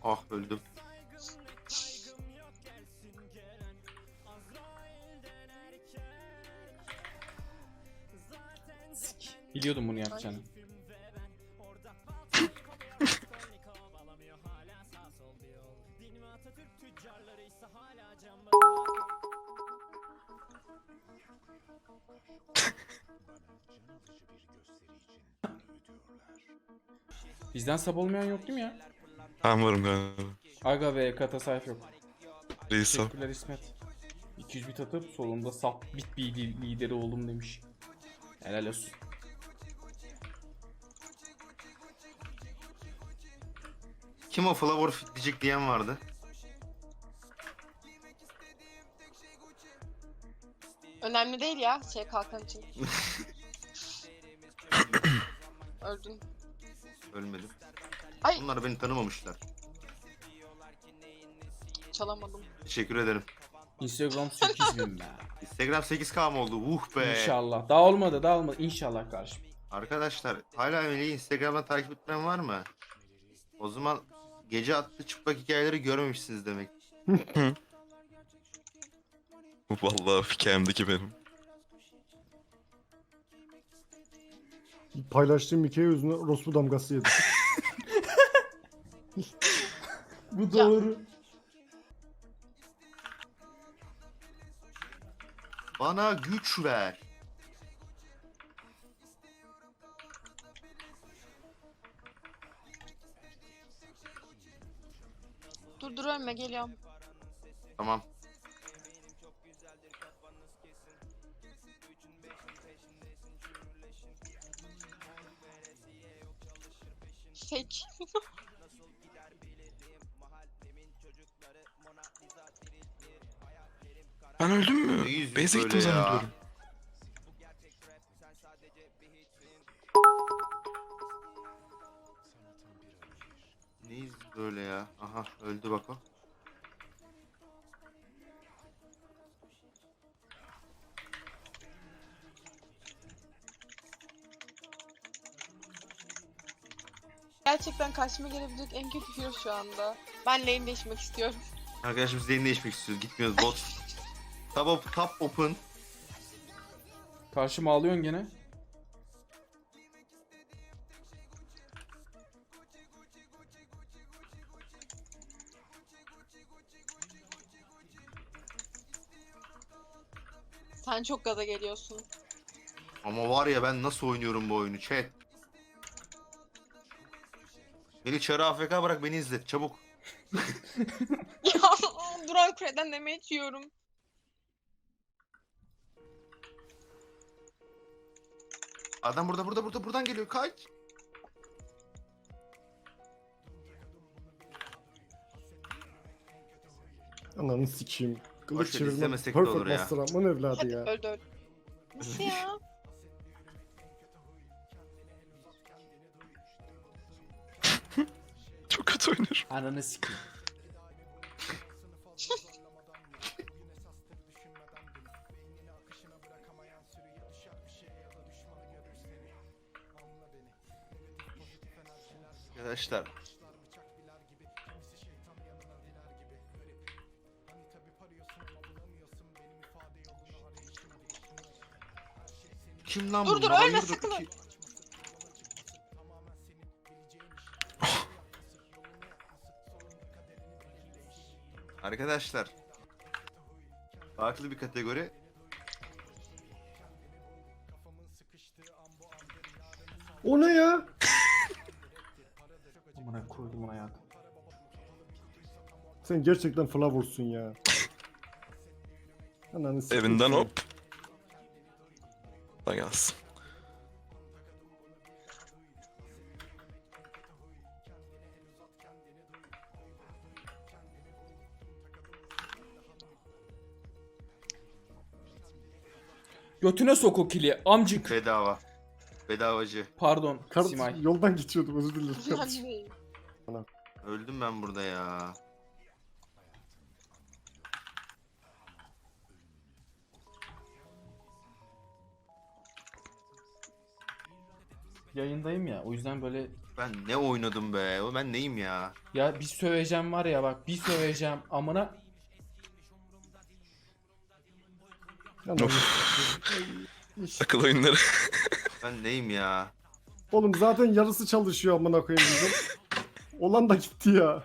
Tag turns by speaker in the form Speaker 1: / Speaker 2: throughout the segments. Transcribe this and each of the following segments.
Speaker 1: Ah öldüm.
Speaker 2: Biliyordum bunu yapacağını. Bizden sab olmayan yok değil mi ya?
Speaker 3: Ben varım galiba.
Speaker 2: Aga ve kata sayf yok.
Speaker 3: Reis al.
Speaker 2: Teşekkürler İsmet. 200 bit atıp solunda sap bit lideri oldum demiş. Helal olsun.
Speaker 1: Kim o Flavor fitleyecek diyen vardı.
Speaker 4: Önemli değil ya şey kalkan için. Öldün.
Speaker 1: Ölmedim.
Speaker 4: Ay
Speaker 1: Bunlar beni tanımamışlar.
Speaker 4: çalamadım.
Speaker 1: Teşekkür ederim.
Speaker 2: Instagram 8000 be.
Speaker 1: Instagram 8K mı oldu? Be.
Speaker 2: İnşallah. Daha olmadı. İnşallah kardeşim.
Speaker 1: Arkadaşlar hala Melih'i Instagram'dan takip etmeyen var mı? O zaman gece attığı çıplak hikayeleri görmemişsiniz demek.
Speaker 3: Vallahi hikayemdeki benim.
Speaker 5: Paylaştığım hikaye yüzünden orospu damgası yedim.
Speaker 2: Bu doğru.
Speaker 1: Bana güç ver.
Speaker 4: Dur ölme geliyorum.
Speaker 1: Tamam.
Speaker 4: Fake.
Speaker 3: Ben öldüm mü?
Speaker 1: Neyiz
Speaker 3: Base'e
Speaker 1: böyle
Speaker 3: gittim
Speaker 1: ya?
Speaker 3: zannediyorum.
Speaker 1: Neyiz böyle ya? Aha öldü bak o.
Speaker 4: Gerçekten karşıma gelebilecek en kötü hero şu anda. Ben lane değişmek istiyorum.
Speaker 1: Arkadaşlar biz lane değişmek istiyoruz. Gitmiyoruz bot. Top open.
Speaker 2: Karşıma alıyorsun gene.
Speaker 4: Sen çok gaza geliyorsun.
Speaker 1: Ama var ya ben nasıl oynuyorum bu oyunu chat. Beni çarı AFK bırak beni izlet çabuk.
Speaker 4: Ya Duran Kure'den damage yiyorum.
Speaker 1: Adam buradan geliyor kaç.
Speaker 5: Ananı sikeyim. Kılıç
Speaker 1: Boş ver,
Speaker 5: çevirme.
Speaker 1: istemesek de
Speaker 5: Perfect
Speaker 1: olur ya.
Speaker 5: Master Amman evladı
Speaker 4: Hadi
Speaker 5: ya.
Speaker 4: öldü. Nasıl ya?
Speaker 3: Çok kötü oynuyorum.
Speaker 2: Ananı sikeyim.
Speaker 1: Arkadaşlar. Kim lan
Speaker 4: Dur,
Speaker 1: bunlar?
Speaker 4: ölme,
Speaker 1: Hayırdır
Speaker 4: sakın
Speaker 1: ki? Arkadaşlar. Farklı bir kategori.
Speaker 5: O ne ya?
Speaker 2: Amına koydum hayatım.
Speaker 5: Sen gerçekten Flowers'sun ya. Ananı sikeyim.
Speaker 3: Evinden hop. Da gelsin.
Speaker 2: Götüne sok o kili amcık.
Speaker 1: Bedava. Bedavacı.
Speaker 2: Pardon
Speaker 5: Kart
Speaker 2: Simay.
Speaker 5: yoldan geçiyordum özür dilerim.
Speaker 4: Önemli değil.
Speaker 1: Öldüm ben burada ya.
Speaker 2: Yayındayım ya, o yüzden böyle
Speaker 1: Ben ne oynadım be? O ben neyim ya?
Speaker 2: ya bir söveceğim var ya, bak bir söveceğim amına.
Speaker 5: Anam.
Speaker 3: Akıl oyunları.
Speaker 1: Ben neyim ya?
Speaker 5: Oğlum zaten yarısı çalışıyor amına koyayım bizim. Olan da gitti ya.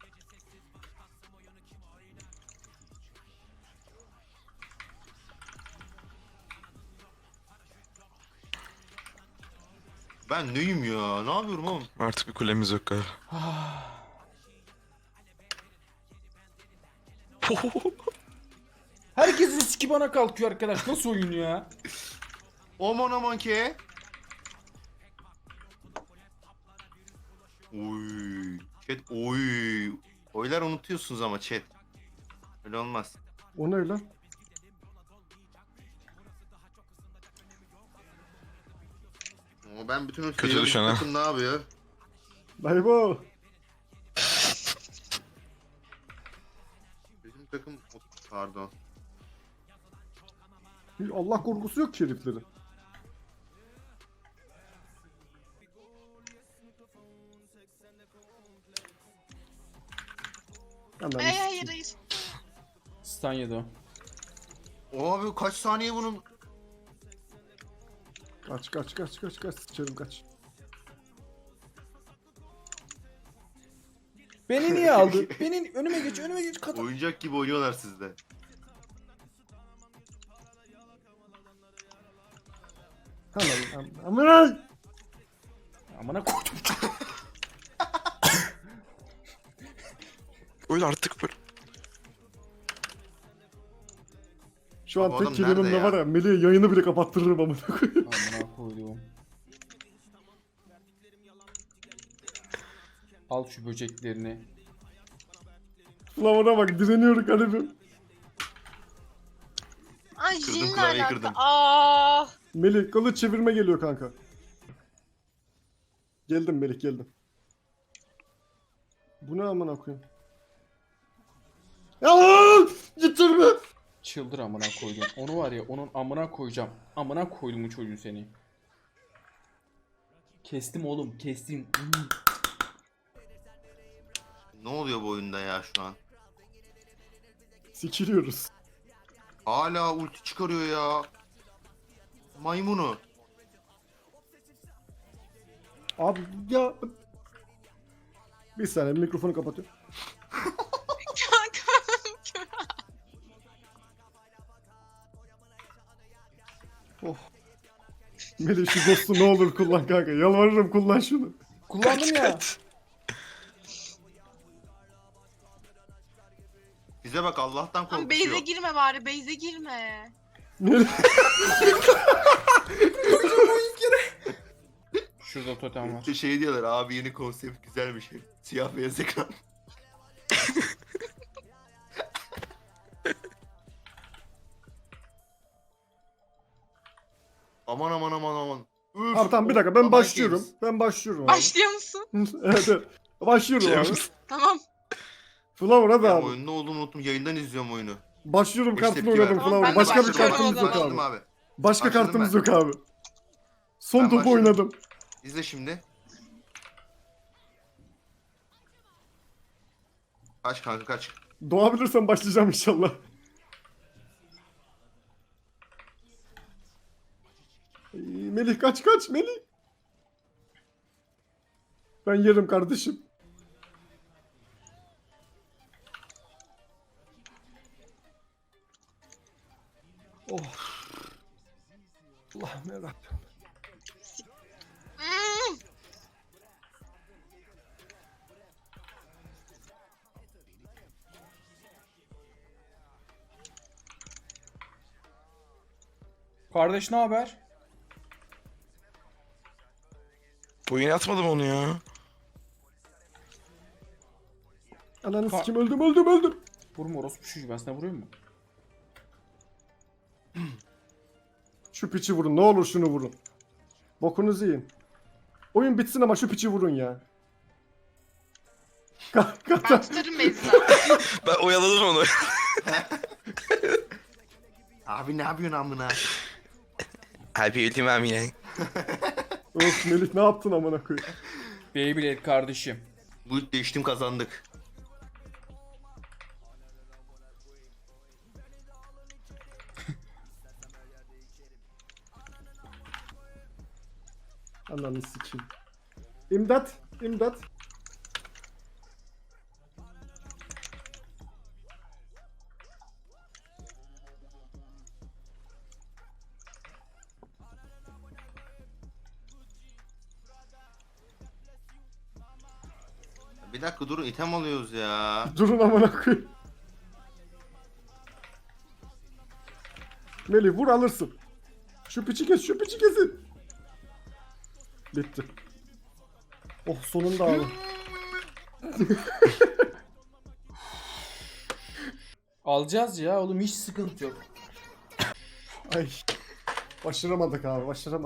Speaker 1: Ben neyim ya? Ne yapıyorum oğlum?
Speaker 3: Artık bir kulemiz yok galiba.
Speaker 2: Herkesin siki bana kalkıyor arkadaş, nasıl oyun ya?
Speaker 1: Aman aman ki. Oy. Chat oy. Oylar unutuyorsunuz ama chat. Öyle olmaz.
Speaker 5: O ne lan?
Speaker 1: Ama ben bütün
Speaker 3: Kötü düşen ha.
Speaker 1: takım ne yapıyor?
Speaker 5: Dayıbo.
Speaker 1: Bizim takım pardon.
Speaker 5: Allah korkusu yok ki heriflerin. Anam.
Speaker 4: Hayır.
Speaker 2: Stun yedi o.
Speaker 1: Abi kaç saniye bunun?
Speaker 5: Kaç sıçarım kaç.
Speaker 2: Beni niye aldı? Beni önüme geç kadın.
Speaker 1: Oyuncak gibi oynuyorlar sizde.
Speaker 5: Tamam amına.
Speaker 2: Amına koydum.
Speaker 3: Öyle artık böyle.
Speaker 5: Şu an
Speaker 1: Abi
Speaker 5: tek
Speaker 1: adam
Speaker 5: kelimemle
Speaker 1: nerede ya?
Speaker 5: var ya Melih'e yayını bile kapattırırım amına koyayım.
Speaker 2: Amına koydum. Al şu böceklerini.
Speaker 5: Ulan ona bak direniyor garibim.
Speaker 4: Ay
Speaker 1: Kırdım,
Speaker 4: Jin'le
Speaker 1: klavyeyi
Speaker 4: alaka.
Speaker 1: kırdım.
Speaker 5: Melih kılıç çevirme geliyor kanka. Geldim Melih geldim. Bu ne amına koyayım? Ya lan! Getirme!
Speaker 2: Çıldır amına koydum. Onu var ya, onun amına koyacağım. Amına koydum bu çocuğu seni. Kestim oğlum, kestim.
Speaker 1: Ne oluyor bu oyunda ya şu an?
Speaker 5: Sikiliyoruz.
Speaker 1: Hala ulti çıkarıyor ya. Maymunu.
Speaker 5: Abi ya... Bir saniye mikrofonu kapatıyorum. Oh. Melih şu ghost'u ne olur kullan kanka. Yalvarırım kullan şunu.
Speaker 2: Kullandım ya.
Speaker 1: Bize bak Allah'tan
Speaker 4: Ama
Speaker 1: korkuyor.
Speaker 4: base'e girme bari, base'e girme.
Speaker 5: Melih.
Speaker 2: Şurada totem var.
Speaker 1: İşte şey diyorlar abi yeni konsept güzelmiş. Siyah beyaz ekran. Aman aman aman aman. Üf,
Speaker 5: Abi tamam bir dakika ben
Speaker 1: aman
Speaker 5: başlıyorum.
Speaker 1: games.
Speaker 5: Ben başlıyorum abi.
Speaker 4: Başlıyor musun?
Speaker 5: Evet evet. Başlıyorum abi.
Speaker 3: James.
Speaker 4: Tamam.
Speaker 5: Flower hadi
Speaker 1: Ya
Speaker 5: abi.
Speaker 1: oyunun ne olduğunu unuttum. Yayından izliyorum oyunu.
Speaker 5: Başlıyorum
Speaker 1: Hiç
Speaker 5: kartını
Speaker 1: tepki
Speaker 5: oynadım
Speaker 1: vermem.
Speaker 4: Tamam,
Speaker 5: Flower.
Speaker 4: ben de
Speaker 5: Başka bir
Speaker 4: başlıyorum
Speaker 5: kartımız yok
Speaker 1: Başladım
Speaker 5: abi.
Speaker 1: abi.
Speaker 5: Başka
Speaker 1: Başladım
Speaker 5: kartımız
Speaker 1: ben.
Speaker 5: yok abi. Son
Speaker 1: Ben
Speaker 5: topu
Speaker 1: başladım.
Speaker 5: oynadım.
Speaker 1: İzle şimdi. Kaç kanka kaç.
Speaker 5: Doğabilirsem başlayacağım inşallah. Melih kaç Melih. Ben yerim kardeşim. Oh. Allah'ım yarabbim.
Speaker 4: Hmm.
Speaker 2: Kardeş ne haber?
Speaker 3: Bu yine atmadım onu ya.
Speaker 5: Ananı sikim öldüm.
Speaker 2: Vurma orospu çocuğu, ben sana vuruyor mu?
Speaker 5: Şu piçi vurun ne olur şunu vurun. Bokunuzu yiyin. Oyun bitsin ama şu piçi vurun ya.
Speaker 4: Ben tutarım base'den.
Speaker 3: Ben oyaladım onu.
Speaker 1: Abi ne yapıyorsun amına?
Speaker 3: Abi ultim amine.
Speaker 5: Öf Melih ne yaptın amına koyayım?
Speaker 2: Beyblade kardeşim.
Speaker 1: Bu değiştim kazandık.
Speaker 5: Ananı sikeyim. İmdat. İmdat.
Speaker 1: Bir dakika durun, item alıyoruz ya.
Speaker 5: Durun amına koyayım. Melih vur alırsın. Şu piçi kes, şu piçi kesin. Bitti. Oh sonunda abi.
Speaker 2: Alacağız ya oğlum, hiç sıkıntı yok.
Speaker 5: Ay. Başaramadık abi, başaramadık.